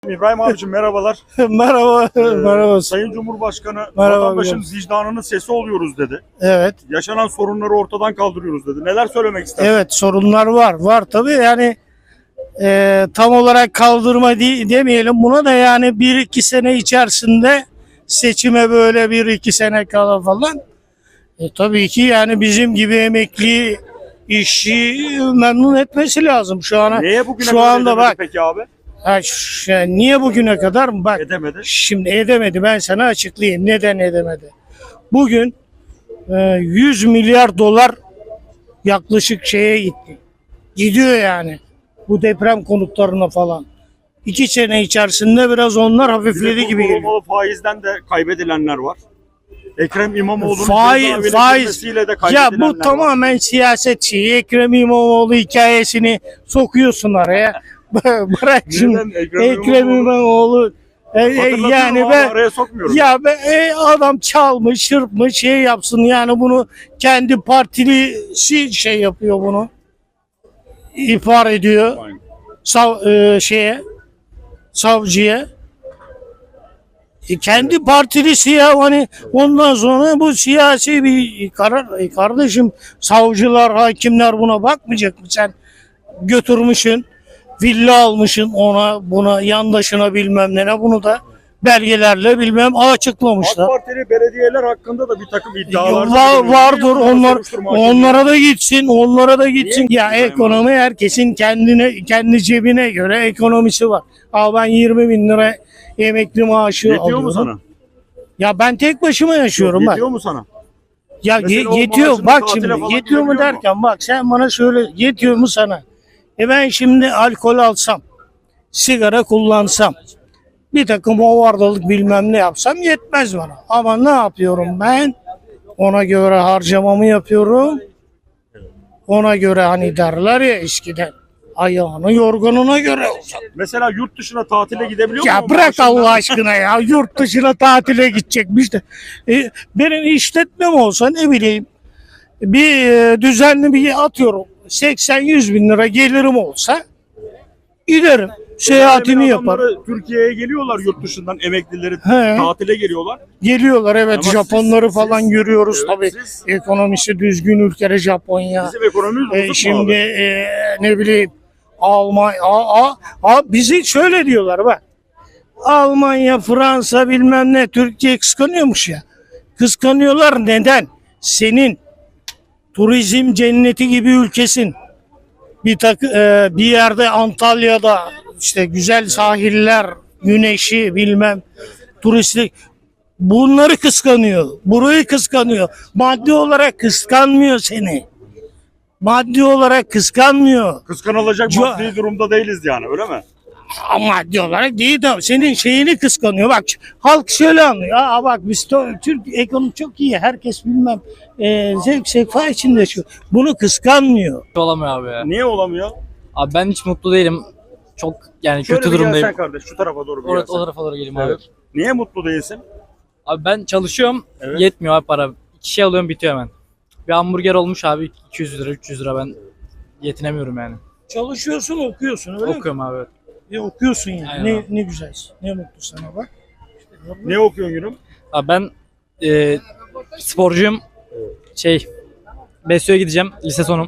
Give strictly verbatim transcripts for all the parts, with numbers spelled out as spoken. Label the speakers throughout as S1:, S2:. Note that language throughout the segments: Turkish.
S1: İbrahim abicim merhabalar.
S2: Merhaba,
S1: Ee,
S2: merhaba.
S1: Sayın Cumhurbaşkanı
S2: Merhaba
S1: vatandaşın
S2: hocam.
S1: vicdanının sesi oluyoruz dedi.
S2: Evet,
S1: Yaşanan sorunları ortadan kaldırıyoruz dedi. Neler söylemek istersiniz?
S2: evet sorunlar var, var tabii yani e, tam olarak kaldırma de- demeyelim buna da yani bir iki sene içerisinde seçime böyle bir iki sene kala falan. E, tabii ki yani bizim gibi emekli işçi memnun etmesi lazım şu ana.
S1: Neye bugüne
S2: Şu
S1: kadar
S2: anda
S1: edemedi
S2: bak,
S1: peki abi?
S2: ha, şu- yani niye bugüne kadar bak.
S1: Edemedi.
S2: Şimdi edemedi, ben sana açıklayayım neden edemedi. Bugün e, yüz milyar dolar yaklaşık şeye gitti. Gidiyor yani bu deprem konutlarına falan. İki sene içerisinde biraz onlar
S1: Bir de
S2: hafifledi gibi geliyor.
S1: korumalı faizden de kaybedilenler var. Ekrem İmamoğlu'nun
S2: Faiz,
S1: cezaevine
S2: faiz.
S1: girmesiyle de
S2: Ya
S1: kaybedilenler
S2: bu
S1: var.
S2: tamamen siyaset şeyi. Ekrem İmamoğlu hikayesini sokuyorsun araya. Bırak şimdi.
S1: Neden? Ekrem
S2: Ekrem
S1: İmamoğlu-
S2: İmamoğlu. E, e,
S1: Hatırlatıyorum
S2: yani
S1: abi,
S2: ben
S1: araya sokmuyorum.
S2: ya be, e, adam çalmış, çırpmış, şey yapsın yani bunu kendi partilisi şey yapıyor bunu. İhbar ediyor
S1: Aynen.
S2: sav, e, şeye savcıya. E, kendi partilisi ya hani ondan sonra bu siyasi bir karar. E, kardeşim savcılar, hakimler buna bakmayacak mı sen? Götürmüşsün, villa almışsın ona, buna, yandaşına bilmem ne, bunu da belgelerle bilmem
S1: AK
S2: açıklamışlar.
S1: Partili belediyeler hakkında da bir takım iddialar
S2: Var, vardır onlar,
S1: Soruşturma hakemi-
S2: onlara da gitsin, onlara da gitsin.
S1: Niye?
S2: Ya ekonomi herkesin kendine, kendi cebine göre ekonomisi var. Al ben yirmi bin lira emekli maaşı
S1: Yetiyor
S2: alıyorum.
S1: mu sana?
S2: Ya ben tek başıma yaşıyorum bak.
S1: Yetiyor mu sana?
S2: Ya
S1: Mesela
S2: ye-
S1: o
S2: yetiyor
S1: maaşını
S2: bak
S1: tatile
S2: şimdi
S1: falan
S2: yetiyor mu
S1: gidebiliyor mu?
S2: derken bak sen bana söyle yetiyor mu sana? E ben şimdi alkol alsam, sigara kullansam, bir takım hovardalık bilmem ne yapsam yetmez bana. Ama ne yapıyorum ben? Ona göre harcamamı yapıyorum. Ona göre hani derler ya eskiden ayağını yorganına göre uzat.
S1: Mesela yurt dışına tatile gidebiliyor
S2: Ya
S1: mu?
S2: bırak
S1: Maaşından-
S2: Allah aşkına ya yurt dışına tatile gidecekmiş de. E, benim işletmem olsa ne bileyim bir e, düzenli bir atıyorum seksen yüz bin lira gelirim olsa giderim. Seyahatimi
S1: Alemin
S2: yaparım.
S1: adamları Türkiye'ye geliyorlar yurt dışından emeklileri
S2: He.
S1: tatile geliyorlar.
S2: Geliyorlar evet,
S1: Ama siz-
S2: Japonları falan
S1: siz-
S2: görüyoruz
S1: evet,
S2: tabii.
S1: siz-
S2: Ekonomisi düzgün ülkede Japonya.
S1: Bizim ekonomimiz bozuk
S2: E,
S1: mu
S2: şimdi
S1: abi?
S2: e, ne bileyim Almanya, a, a, a, bizi şöyle diyorlar bak. Almanya, Fransa bilmem ne Türkiye kıskanıyormuş ya. Kıskanıyorlar neden? Senin turizm cenneti gibi ülkesin. Bir tak, e, bir yerde Antalya'da işte güzel sahiller, güneşi bilmem turistlik. Bunları kıskanıyor. Burayı kıskanıyor. Maddi olarak kıskanmıyor seni. Maddi olarak kıskanmıyor.
S1: Kıskanılacak
S2: Ca-
S1: maddi durumda değiliz yani öyle mi?
S2: Ama maddi olarak değil de senin şeyini kıskanıyor. Bak halk şöyle anlıyor. Aa bak biz to- Türk ekonomi çok iyi. Herkes bilmem e, zevk sefa içinde yaşıyor. Bunu kıskanmıyor.
S3: Olamıyor abi ya.
S1: Niye olamıyor?
S3: Abi ben hiç mutlu değilim. Çok yani
S1: Şöyle
S3: kötü
S1: bir
S3: durumdayım.
S1: gelsen kardeş şu tarafa doğru bir
S3: O,
S1: gelsen.
S3: o tarafa doğru geleyim
S1: Evet.
S3: abi.
S1: Niye mutlu değilsin?
S3: Abi ben çalışıyorum.
S1: Evet.
S3: Yetmiyor abi para. İki şey alıyorum bitiyor hemen. Bir hamburger olmuş abi iki yüz lira üç yüz lira ben yetinemiyorum yani.
S2: Çalışıyorsun, okuyorsun öyle mi?
S3: Okuyorum abi.
S2: E, okuyorsun yani.
S3: Aynen
S2: Ne,
S3: abi.
S2: ne güzel. Ne mutlu sana bak.
S1: Ne okuyorsun gülüm?
S3: Abi ben e, sporcuyum. Şey Besyo'ya gideceğim. Lise sonum.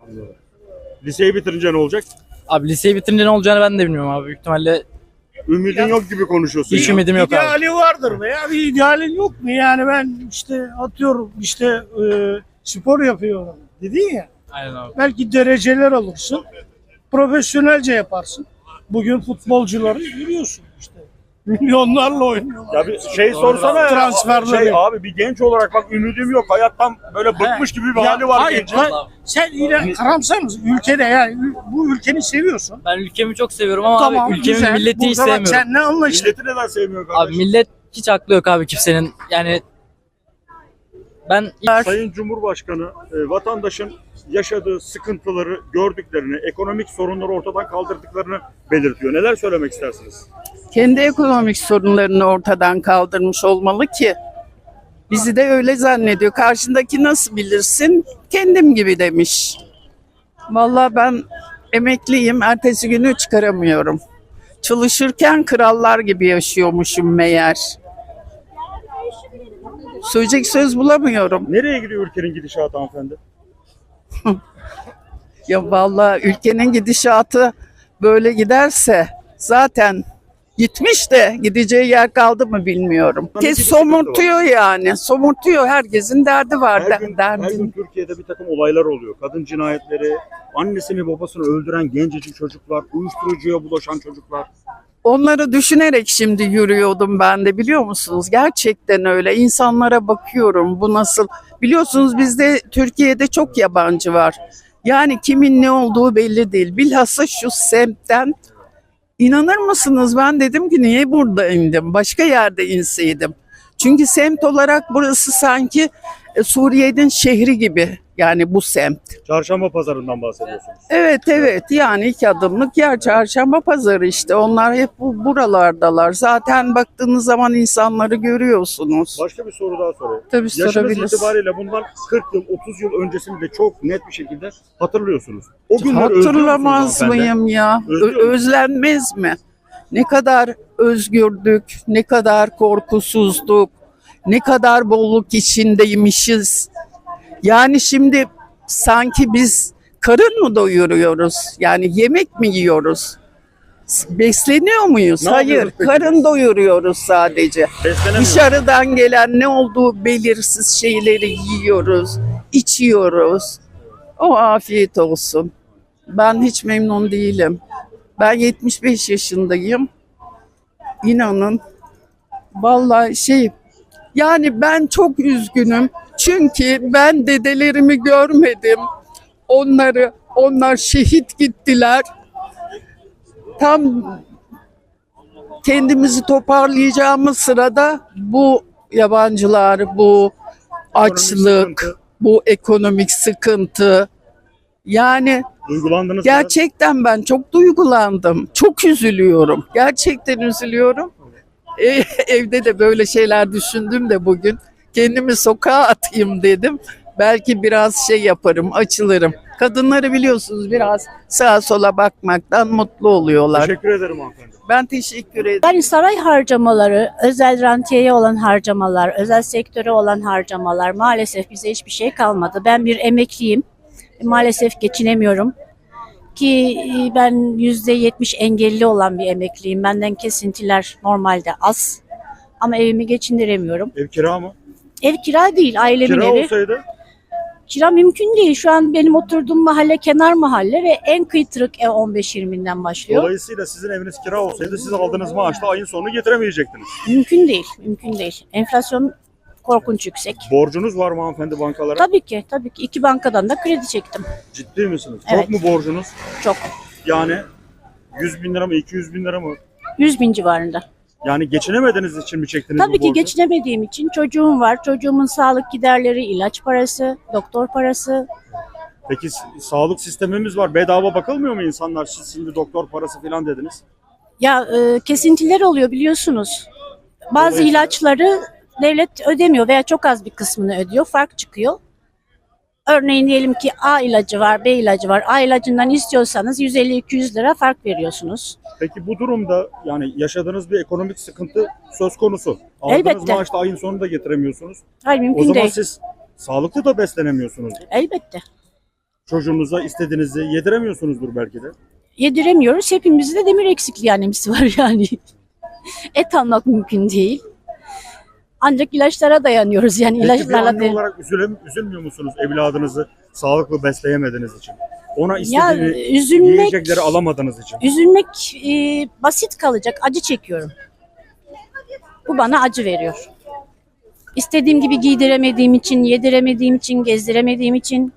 S1: Liseyi bitirince ne olacak?
S3: Abi liseyi bitirince ne olacağını ben de bilmiyorum abi. Büyük ihtimalle
S1: Ümidin yok gibi konuşuyorsun
S3: hiç
S1: ya.
S3: ümidim yok abi.
S2: İdeali vardır veya bir idealin yok mu? Yani ben işte atıyorum işte e, spor yapıyorum dedin ya.
S3: Aynen abi.
S2: Belki dereceler alırsın. Profesyonelce yaparsın. Bugün futbolcuları görüyorsun işte. Milyonlarla oynuyorlar.
S1: Ya bir şey sorsana ya.
S2: Transferleri.
S1: Şey abi bir genç olarak bak ümidim yok. Hayattan böyle bıkmış gibi bir
S2: Ya
S1: hali var
S2: hayır,
S1: gencin.
S2: ben- sen yine karamsar mısın? Ülkede yani ül- bu ülkeni seviyorsun.
S3: Ben ülkemi çok seviyorum ama
S2: Tamam,
S3: abi ülkemin
S2: güzel.
S3: milleti hiç
S2: Burada bak
S3: sevmiyorum.
S2: sen ne anlaştın?
S1: Milleti neden sevmiyor kardeş?
S3: Abi millet hiç aklı yok abi kimsenin. Yani ben
S1: Sayın Cumhurbaşkanı e, vatandaşın yaşadığı sıkıntıları gördüklerini, ekonomik sorunları ortadan kaldırdıklarını belirtiyor. Neler söylemek istersiniz?
S4: Kendi ekonomik sorunlarını ortadan kaldırmış olmalı ki bizi de öyle zannediyor. Karşındaki nasıl bilirsin? Kendim gibi demiş. Vallahi ben emekliyim, ertesi günü çıkaramıyorum. Çalışırken krallar gibi yaşıyormuşum meğer. Söyleyecek söz bulamıyorum.
S1: Nereye gidiyor ülkenin gidişatı hanımefendi?
S4: Ya vallahi ülkenin gidişatı böyle giderse zaten gitmiş de gideceği yer kaldı mı bilmiyorum.
S1: Tabii
S4: Kes
S1: ki bir sıkıntı
S4: somurtuyor yani. Somurtuyor. Herkesin derdi var.
S1: Her
S4: de-
S1: gün,
S4: derdin.
S1: her gün Türkiye'de bir takım olaylar oluyor. Kadın cinayetleri, annesini babasını öldüren gencecik çocuklar, uyuşturucuya bulaşan çocuklar.
S4: Onları düşünerek şimdi yürüyordum ben de, biliyor musunuz? Gerçekten öyle. İnsanlara bakıyorum, bu nasıl? Biliyorsunuz bizde Türkiye'de çok yabancı var. Yani kimin ne olduğu belli değil. Bilhassa şu semtten, inanır mısınız, ben dedim ki niye burada indim? Başka yerde inseydim. Çünkü semt olarak burası sanki e, Suriye'nin şehri gibi. Yani bu semt.
S1: Çarşamba pazarından bahsediyorsunuz.
S4: Evet evet, yani iki adımlık yer, çarşamba pazarı işte. Onlar hep bu, buralardalar. Zaten baktığınız zaman insanları görüyorsunuz.
S1: Başka bir soru daha sorayım.
S4: Tabii
S1: Yaşınız
S4: sorabiliriz.
S1: itibariyle bundan kırk yıl, otuz yıl öncesini de çok net bir şekilde hatırlıyorsunuz. O günleri özlüyor musunuz
S4: Hatırlamaz
S1: hanımefendi?
S4: mıyım ya? Ö-
S1: Özlüyor musun?
S4: özlenmez mi? Ne kadar özgürdük, ne kadar korkusuzduk, ne kadar bolluk içindeymişiz. Yani şimdi sanki biz karın mı doyuruyoruz? Yani yemek mi yiyoruz? Besleniyor muyuz?
S1: Ne
S4: Hayır,
S1: yapıyoruz peki
S4: karın
S1: biz?
S4: doyuruyoruz sadece.
S1: Beslenemiyoruz.
S4: Dışarıdan gelen ne olduğu belirsiz şeyleri yiyoruz, içiyoruz. O afiyet olsun. Ben hiç memnun değilim. Ben yetmiş beş yaşındayım. İnanın. Vallahi şey, yani ben çok üzgünüm. Çünkü ben dedelerimi görmedim. Onları, onlar şehit gittiler. Tam kendimizi toparlayacağımız sırada bu yabancılar, bu açlık,
S1: sıkıntı.
S4: bu ekonomik sıkıntı. Yani
S1: Duygulandınız mı?
S4: gerçekten ben çok duygulandım. Çok üzülüyorum. Gerçekten üzülüyorum. E, evde de böyle şeyler düşündüm de bugün. Kendimi sokağa atayım dedim. Belki biraz şey yaparım, açılırım. Kadınları biliyorsunuz biraz sağa sola bakmaktan mutlu oluyorlar.
S1: Teşekkür ederim hanımefendi.
S4: Ben teşekkür ederim.
S5: Yani saray harcamaları, özel rantiyeye olan harcamalar, özel sektöre olan harcamalar, maalesef bize hiçbir şey kalmadı. Ben bir emekliyim. Maalesef geçinemiyorum. Ki ben yüzde yetmiş engelli olan bir emekliyim. Benden kesintiler normalde az. Ama evimi geçindiremiyorum.
S1: Ev kira mı?
S5: Ev kira değil, ailemin
S1: Kira
S5: evi.
S1: olsaydı
S5: Kira mümkün değil. Şu an benim oturduğum mahalle kenar mahalle ve en kıytırık ev on beş yirminden başlıyor.
S1: dolayısıyla sizin eviniz kira olsaydı siz aldığınız maaşla ayın sonunu getiremeyecektiniz.
S5: Mümkün değil, mümkün değil. Enflasyon korkunç yüksek.
S1: Borcunuz var mı hanımefendi bankalara?
S5: Tabii ki, tabii ki. İki bankadan da kredi çektim.
S1: Ciddi misiniz?
S5: Evet.
S1: Çok mu borcunuz?
S5: Çok.
S1: Yani yüz bin lira mı, iki yüz bin lira mı?
S5: yüz bin civarında.
S1: Yani geçinemediğiniz için mi çektiniz bu
S5: Tabii ki
S1: borcu?
S5: geçinemediğim için çocuğum var. Çocuğumun sağlık giderleri, ilaç parası, doktor parası.
S1: Peki s- sağlık sistemimiz var. Bedava bakılmıyor mu insanlar? Siz şimdi doktor parası falan dediniz.
S5: Ya e, kesintiler oluyor biliyorsunuz. Bazı
S1: Dolayısıyla-
S5: ilaçları devlet ödemiyor veya çok az bir kısmını ödüyor. Fark çıkıyor. Örneğin diyelim ki A ilacı var, B ilacı var. A ilacından istiyorsanız yüz elli iki yüz lira fark veriyorsunuz.
S1: Peki bu durumda yani yaşadığınız bir ekonomik sıkıntı söz konusu. Aldığınız
S5: Elbette.
S1: maaşla ayın sonunu da getiremiyorsunuz.
S5: Hayır
S1: O
S5: mümkün
S1: zaman
S5: değil.
S1: siz sağlıklı da beslenemiyorsunuz.
S5: Elbette.
S1: Çocuğunuza istediğinizi yediremiyorsunuzdur belki de.
S5: Yediremiyoruz. Hepimizde de demir eksikliği anemisi var yani. Et almak mümkün değil. Ancak ilaçlara dayanıyoruz yani
S1: Peki bir
S5: ilaçlarla
S1: anne
S5: değil.
S1: olarak üzülüm, üzülmüyor musunuz evladınızı sağlıklı besleyemediğiniz için? Ona
S5: Ya
S1: istediğini
S5: üzülmek,
S1: yiyecekleri alamadığınız için.
S5: üzülmek e, basit kalacak. Acı çekiyorum. Bu bana acı veriyor. İstediğim gibi giydiremediğim için, yediremediğim için, gezdiremediğim için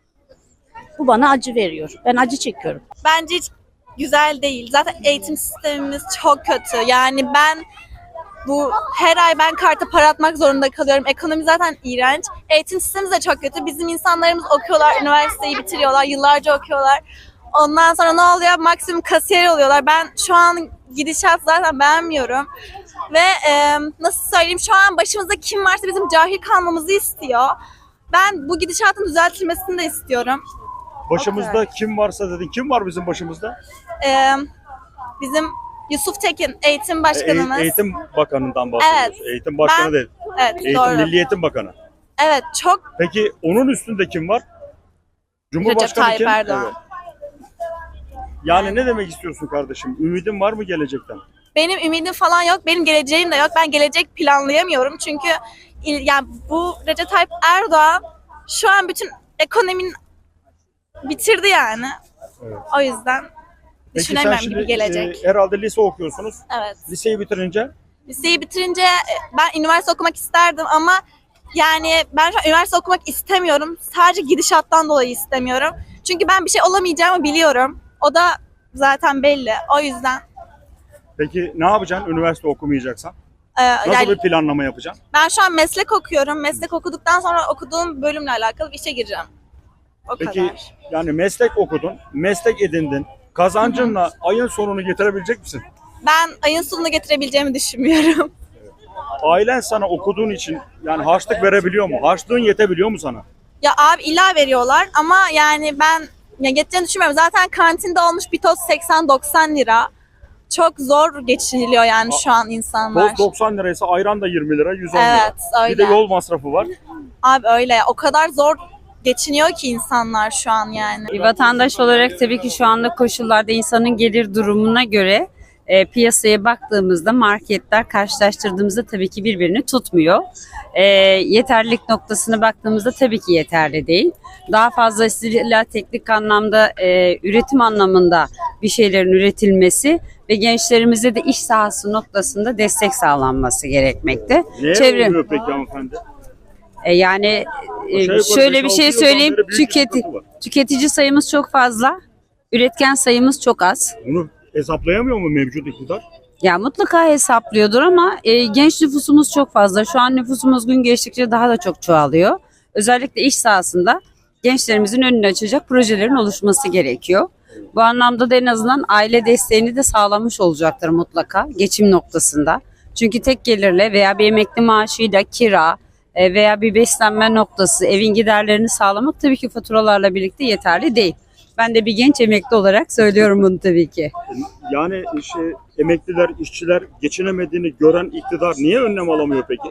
S5: bu bana acı veriyor. Ben acı çekiyorum.
S6: Bence hiç güzel değil. Zaten eğitim sistemimiz çok kötü. Yani ben bu her ay ben karta para atmak zorunda kalıyorum. Ekonomi zaten iğrenç. Eğitim sistemimiz de çok kötü. Bizim insanlarımız okuyorlar, üniversiteyi bitiriyorlar, yıllarca okuyorlar. Ondan sonra ne oluyor? Maksimum kasiyer oluyorlar. Ben şu an gidişat zaten beğenmiyorum. Ve e, nasıl söyleyeyim, şu an başımızda kim varsa bizim cahil kalmamızı istiyor. Ben bu gidişatın düzeltilmesini de istiyorum.
S1: Başımızda kim varsa dedin. Kim var bizim başımızda?
S6: Ee, bizim Yusuf Tekin eğitim
S1: E,
S6: başkanımız.
S1: Eğitim Bakanı'ndan bahsediyoruz.
S6: Evet.
S1: Eğitim Bakanı
S6: Ben-
S1: değil.
S6: Evet
S1: Eğitim,
S6: doğru.
S1: Milli Eğitim Bakanı.
S6: Evet çok
S1: Peki onun üstünde kim var? Cumhurbaşkanı
S6: Tayyip
S1: kim?
S6: Erdoğan.
S1: Evet. Yani ne demek istiyorsun kardeşim? Ümidin var mı gelecekten?
S6: benim ümidim falan yok. Benim geleceğim de yok. Ben gelecek planlayamıyorum. Çünkü il- yani bu Recep Tayyip Erdoğan şu an bütün ekonominin bitirdi yani.
S1: Evet.
S6: O yüzden
S1: Peki sen
S6: düşünemem
S1: şimdi
S6: gibi gelecek.
S1: e, herhalde lise okuyorsunuz.
S6: Evet.
S1: Liseyi bitirince
S6: Liseyi bitirince e, ben üniversite okumak isterdim ama yani ben şu an üniversite okumak istemiyorum. Sadece gidişattan dolayı istemiyorum. Çünkü ben bir şey olamayacağımı biliyorum. O da zaten belli. O yüzden
S1: peki ne yapacaksın üniversite okumayacaksan?
S6: e,
S1: Nasıl
S6: yani
S1: bir planlama yapacaksın?
S6: ben şu an meslek okuyorum. Meslek okuduktan sonra okuduğum bölümle alakalı bir işe gireceğim. O
S1: Peki
S6: kadar.
S1: yani meslek okudun, meslek edindin. Kazancınla ayın sonunu getirebilecek misin?
S6: Ben ayın sonunu getirebileceğimi düşünmüyorum.
S1: Ailen sana okuduğun için yani harçlık verebiliyor mu? Harçlığın yetebiliyor mu sana?
S6: Ya abi illa veriyorlar ama yani ben ya yeteceğini düşünmüyorum. Zaten kantinde olmuş bir tost seksen doksan lira. Çok zor geçiniliyor yani şu an insanlar.
S1: Toz doksan liraysa ayran da yirmi lira, yüz on lira.
S6: Evet
S1: Bir de
S6: öyle.
S1: yol masrafı var.
S6: Abi öyle. O kadar zor geçiniyor ki insanlar şu an yani.
S7: Bir vatandaş olarak tabii ki şu anda koşullarda insanın gelir durumuna göre e, piyasaya baktığımızda marketler karşılaştırdığımızda tabii ki birbirini tutmuyor. E, yeterlilik noktasına baktığımızda tabii ki yeterli değil. Daha fazlasıyla teknik anlamda, e, üretim anlamında bir şeylerin üretilmesi ve gençlerimize de iş sahası noktasında destek sağlanması gerekmekte.
S1: Neye
S7: Çevre-
S1: oluyor peki hanımefendi?
S7: E, yani e,
S1: Aşağı yukarı
S7: şöyle bir
S1: beş altı
S7: şey
S1: yıldan
S7: söyleyeyim,
S1: beri büyük bir
S7: tüketi,
S1: sıkıntı var.
S7: tüketici sayımız çok fazla, üretken sayımız çok az.
S1: Bunu hesaplayamıyor mu mevcut iktidar?
S7: Ya mutlaka hesaplıyordur ama e, genç nüfusumuz çok fazla. Şu an nüfusumuz gün geçtikçe daha da çok çoğalıyor. Özellikle iş sahasında gençlerimizin önünü açacak projelerin oluşması gerekiyor. Bu anlamda da en azından aile desteğini de sağlamış olacaktır mutlaka geçim noktasında. Çünkü tek gelirle veya bir emekli maaşıyla kira e, veya bir beslenme noktası, evin giderlerini sağlamak tabii ki faturalarla birlikte yeterli değil. Ben de bir genç emekli olarak söylüyorum bunu tabii ki.
S1: Yani işte emekliler, işçiler geçinemediğini gören iktidar niye önlem alamıyor peki?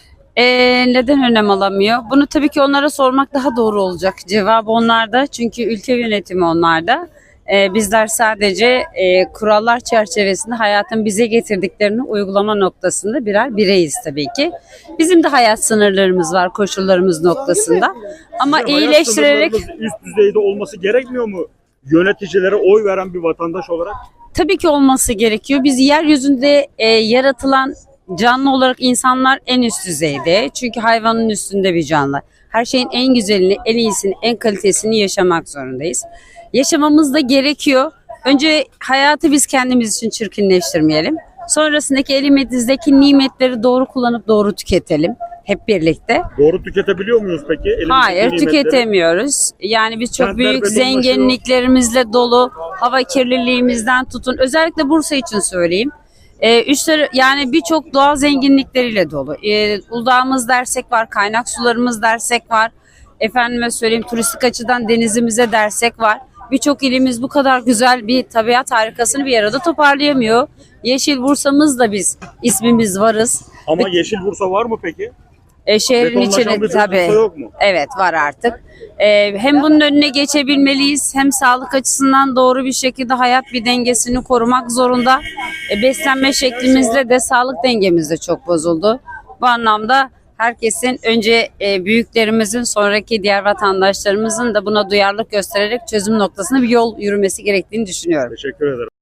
S7: Ee, neden önlem alamıyor? Bunu tabii ki onlara sormak daha doğru olacak. Cevabı onlarda çünkü ülke yönetimi onlarda. Ee, bizler sadece e, kurallar çerçevesinde hayatın bize getirdiklerini uygulama noktasında birer bireyiz tabii ki. Bizim de hayat sınırlarımız var koşullarımız noktasında. Ama
S1: Sizce hayat
S7: iyileştirerek
S1: sınırlarımız üst düzeyde olması gerekmiyor mu? Yöneticilere oy veren bir vatandaş olarak.
S7: tabii ki olması gerekiyor. Biz yeryüzünde e, yaratılan canlı olarak insanlar en üst düzeyde. Çünkü hayvanın üstünde bir canlı. Her şeyin en güzelini, en iyisini, en kalitesini yaşamak zorundayız. Yaşamamız da gerekiyor. Önce hayatı biz kendimiz için çirkinleştirmeyelim. Sonrasındaki elimizdeki nimetleri doğru kullanıp doğru tüketelim. Hep birlikte.
S1: Doğru tüketebiliyor muyuz peki? Elimizdeki
S7: Hayır,
S1: nimetleri?
S7: tüketemiyoruz. Yani biz çok
S1: Kentler
S7: büyük
S1: betonlaşıyor.
S7: zenginliklerimizle dolu, hava kirliliğimizden tutun. Özellikle Bursa için söyleyeyim. Ee, üstleri, yani birçok doğal zenginlikleriyle dolu. Ee, Uludağ'ımız dersek var, kaynak sularımız dersek var. Efendime söyleyeyim turistik açıdan denizimize dersek var. Birçok ilimiz bu kadar güzel bir tabiat harikasını bir arada toparlayamıyor. Yeşil Bursa'mız da biz ismimiz varız.
S1: Ama Yeşil Bursa var mı peki?
S7: E, şehrin
S1: Betonlaşan
S7: içine
S1: bir
S7: tabii.
S1: Bursa yok mu?
S7: Evet var artık. Ee, hem bunun önüne geçebilmeliyiz hem sağlık açısından doğru bir şekilde hayat bir dengesini korumak zorunda. E, beslenme şeklimizle de sağlık dengemiz de çok bozuldu. Bu anlamda herkesin önce e, büyüklerimizin sonraki diğer vatandaşlarımızın da buna duyarlılık göstererek çözüm noktasına bir yol yürümesi gerektiğini düşünüyorum.
S1: Teşekkür ederim.